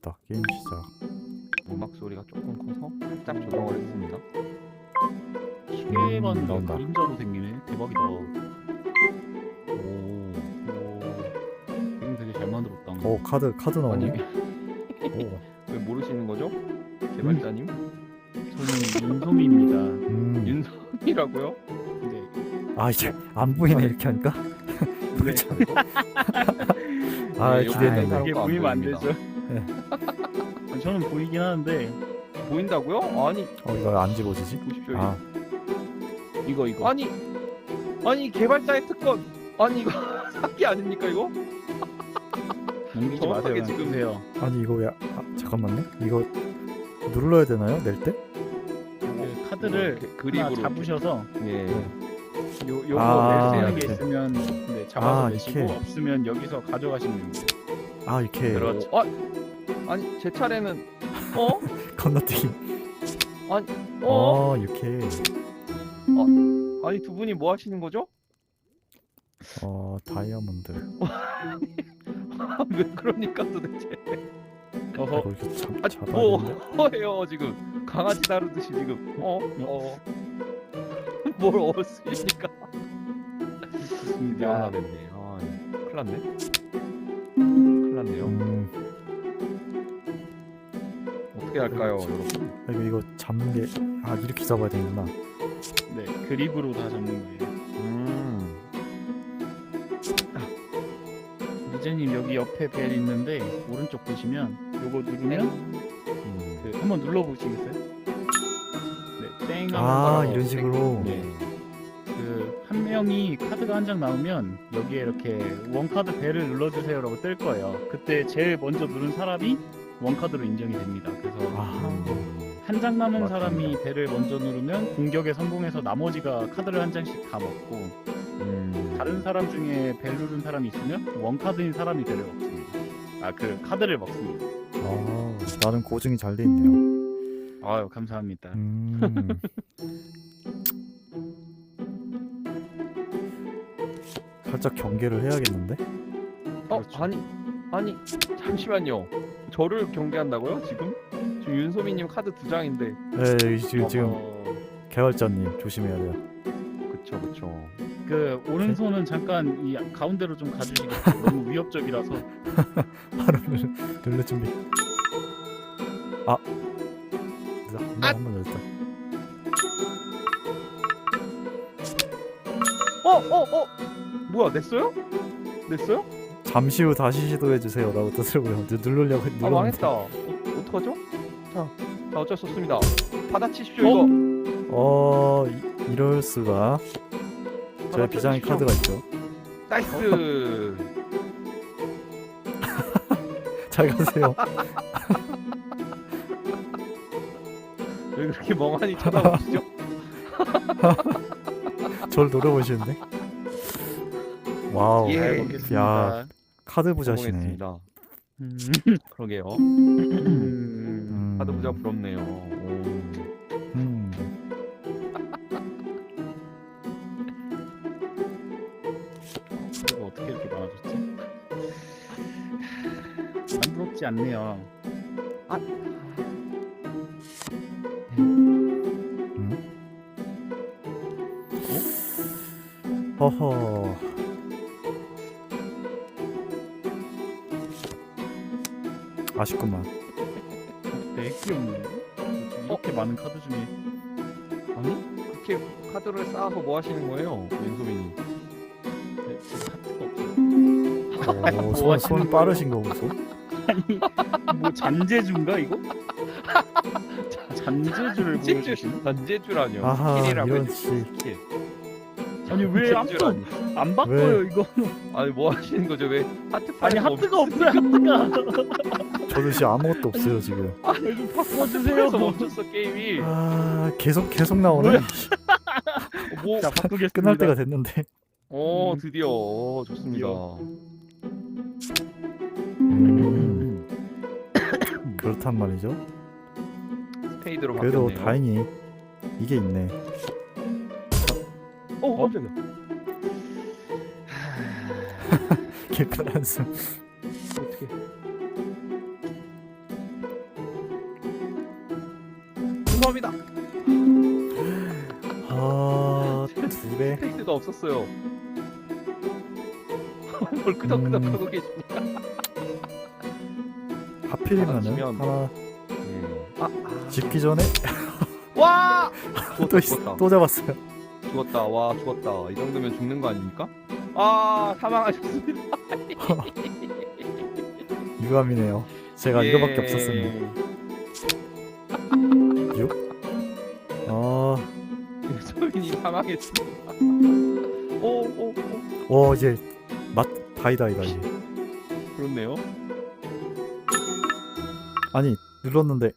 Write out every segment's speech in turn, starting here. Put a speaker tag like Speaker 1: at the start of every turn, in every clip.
Speaker 1: 됐다. 게임 시작.
Speaker 2: 음악 소리가 조금 커서 살짝 조정을 했습니다.
Speaker 3: 시계만
Speaker 1: 나온다.
Speaker 3: 그림자로 생기네. 대박이다. 오, 게임 되게 잘 만들었다.
Speaker 1: 오 카드
Speaker 2: 아니
Speaker 1: 나오네. 오.
Speaker 2: 왜 모르시는 거죠? 개발자님?
Speaker 3: 저는 윤소미입니다.
Speaker 2: 윤성이라고요?
Speaker 3: 네.
Speaker 1: 아 이제 안 보이네 이렇게 하니까.
Speaker 3: 네.
Speaker 1: 아
Speaker 2: 네,
Speaker 1: 기대했는데.
Speaker 2: 요거
Speaker 3: 그게
Speaker 2: 안
Speaker 3: 보이면 안
Speaker 2: 보입니다.
Speaker 3: 되죠. 저는 보이긴 하는데
Speaker 2: 보인다고요? 아니
Speaker 1: 이거 안 집어지지?
Speaker 2: 보십시오.
Speaker 1: 아
Speaker 3: 이거
Speaker 2: 아니 개발자의 특권. 아니 이거 사기 아닙니까 이거?
Speaker 3: 넘기지
Speaker 2: 정확하게
Speaker 3: 마세요.
Speaker 2: 지금-
Speaker 3: 보세요.
Speaker 1: 아니 이거 왜? 잠깐만요. 이거 눌러야 되나요? 낼 때?
Speaker 3: 그 카드를
Speaker 2: 이렇게
Speaker 3: 하나
Speaker 2: 그립으로
Speaker 3: 잡으셔서
Speaker 2: 예.
Speaker 3: 요거
Speaker 1: 아,
Speaker 3: 낼 수 있는 게
Speaker 1: 이렇게.
Speaker 3: 있으면 네, 잡아서
Speaker 1: 아,
Speaker 3: 내시고
Speaker 1: 이렇게.
Speaker 3: 없으면 여기서 가져가시면 됩니다.
Speaker 1: 아 이렇게
Speaker 2: 그렇죠. 아니 제 차례는
Speaker 1: 건너뛰기. 이렇게.
Speaker 2: 아니 두 분이 뭐 하시는 거죠?
Speaker 1: 다이아몬드.
Speaker 2: 왜 그러니까 도대체?
Speaker 3: 어허.
Speaker 1: 이거 이렇게
Speaker 2: 뭐
Speaker 1: 잡아야
Speaker 2: 해요 지금 강아지 다루듯이 지금 뭘 쓰십니까?
Speaker 3: 좋습니다.
Speaker 2: 됐네. 큰일 났네. 큰일 났네요. 어떻게 할까요, 여러분?
Speaker 1: 이거 잡는 게 이렇게 잡아야 되는구나.
Speaker 3: 네, 그립으로 다 잡는 거예요. 미제님 여기 옆에 벨 있는데 오른쪽 보시면 요거 누르면 그 한번 눌러보시겠어요? 네, 땡 하면
Speaker 1: 이런 식으로.
Speaker 3: 네. 그 한 명이 카드가 한 장 나오면 여기에 이렇게 원카드 벨을 눌러주세요라고 뜰 거예요. 그때 제일 먼저 누른 사람이 원카드로 인정이 됩니다. 그래서 한 장 남은
Speaker 2: 맞습니다.
Speaker 3: 사람이 벨을 먼저 누르면 공격에 성공해서 나머지가 카드를 한 장씩 다 먹고 다른 사람 중에 벨 누른 사람이 있으면 원카드인 사람이 벨을 먹습니다. 그 카드를 먹습니다.
Speaker 1: 나름 고증이 잘 돼 있네요.
Speaker 3: 아유 감사합니다.
Speaker 1: 살짝 경계를 해야겠는데?
Speaker 3: 그렇죠.
Speaker 2: 아니 잠시만요. 저를 경계한다고요? 지금 윤소미님 카드 2장인데.
Speaker 1: 네, 지금 개발자님 조심해야 돼요.
Speaker 2: 그쵸.
Speaker 3: 그 오른손은 잠깐 이 가운데로 좀 가주시겠어요? 너무 위협적이라서.
Speaker 1: 바로 눌러 준비. 한번 열었다.
Speaker 2: 뭐야 냈어요? 냈어요?
Speaker 1: 잠시 후 다시 시도해 주세요라고 뜨더라고요. 누르려고
Speaker 2: 아
Speaker 1: 눌렀는데.
Speaker 2: 망했다. 어떡하죠? 자 어쩔 수 없습니다. 받아치십시오 이거.
Speaker 1: 이럴 수가. 저의 비장의 카드가 있죠.
Speaker 2: 나이스.
Speaker 1: 잘 가세요.
Speaker 2: 왜 그렇게 멍하니 쳐다보시죠?
Speaker 1: 저를 노려보시는데. 와우.
Speaker 2: 예.
Speaker 3: 잘
Speaker 1: 야,
Speaker 3: 먹겠습니다.
Speaker 1: 카드 부자시네.
Speaker 2: 성공했습니다. 그러게요. 카드 부자 부럽네요.
Speaker 3: 이거 어떻게 이렇게 많아졌지? 안 부럽지 않네요.
Speaker 1: 허허. 아쉽구만.
Speaker 3: 되게 귀엽네. 이렇게 많은 카드 중에
Speaker 2: 아니 그렇게 카드를 쌓아서 뭐 하시는 거예요, 윤소민이?
Speaker 3: 네, 카드가 없어요.
Speaker 1: 손 빠르신 거 보소.
Speaker 3: 아니 뭐 잔재주인가 이거? 잔재주를 보여주시는?
Speaker 2: 단제주라뇨.
Speaker 1: 아하,
Speaker 2: 스킬이라고
Speaker 1: 이런
Speaker 2: 해주세요,
Speaker 1: 씨.
Speaker 2: 스킬.
Speaker 3: 아니 왜 아무도
Speaker 2: 단제주라니.
Speaker 3: 안 바꿔요 이거?
Speaker 2: 아니 뭐 하시는 거죠? 왜 하트
Speaker 3: 아니
Speaker 2: 파이가
Speaker 3: 하트가 없어요 하트가.
Speaker 1: 저도 지금 아무것도 없어요 지금.
Speaker 3: 좀 바꿔주세요.
Speaker 2: 그래서 멈췄어 게임이.
Speaker 1: 계속 나오네.
Speaker 2: 뭐?
Speaker 3: 자 바꾸겠습니다.
Speaker 1: 끝날 때가 됐는데.
Speaker 2: 드디어 좋습니다.
Speaker 1: 그렇단 말이죠.
Speaker 2: 스페이드로
Speaker 1: 그래도
Speaker 2: 바뀌었네요.
Speaker 1: 다행히 이게 있네.
Speaker 2: 깜짝이야.
Speaker 1: 개큰 한숨.
Speaker 2: 어떻게? 죄송합니다.
Speaker 1: 아, 2배.
Speaker 2: 페이스가 없었어요. 뭘 끄덕끄덕하고 계십니까?
Speaker 1: 하필이면은
Speaker 2: 지면-
Speaker 1: 하나
Speaker 2: 아,
Speaker 1: 집기 전에
Speaker 2: 와!
Speaker 1: 또,
Speaker 2: 죽었다.
Speaker 1: 또 잡았어요.
Speaker 2: 죽었다. 와, 죽었다. 이 정도면 죽는 거 아닙니까? 아, 사망하셨습니다.
Speaker 1: 유감이네요. 제가
Speaker 2: 예.
Speaker 1: 이거밖에 없었습니다. 6? 아,
Speaker 2: 소민이 사망했습니다. 오,
Speaker 1: 이제 맛 다이다 이제.
Speaker 2: 그렇네요.
Speaker 1: 아니 눌렀는데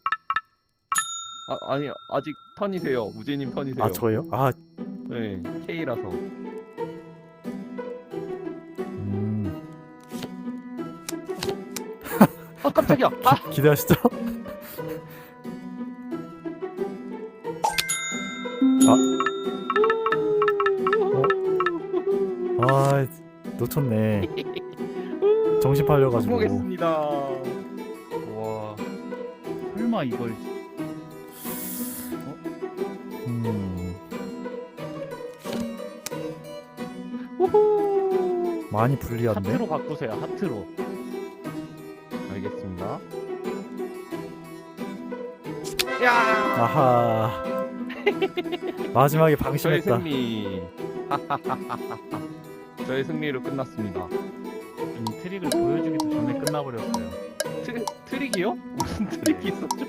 Speaker 2: 아니 아직 턴이세요. 우재님 턴이세요.
Speaker 1: 아 저예요? 아,
Speaker 2: 네, K라서. 아 깜짝이야. 아,
Speaker 1: 기대하시죠? 아, 놓쳤네. 정신 팔려가지고.
Speaker 2: 성공했습니다. 와,
Speaker 3: 설마 이걸
Speaker 2: 우후.
Speaker 1: 많이 불리한데?
Speaker 3: 하트로 바꾸세요. 하트로.
Speaker 2: 알겠습니다. 야,
Speaker 1: 아하. 마지막에
Speaker 2: 저의
Speaker 1: 방심했다.
Speaker 2: 승리. 저의 승리로 끝났습니다.
Speaker 3: 트릭을 보여주기도 전에 끝나버렸어요.
Speaker 2: 트릭이요? 무슨 트릭이 있었죠?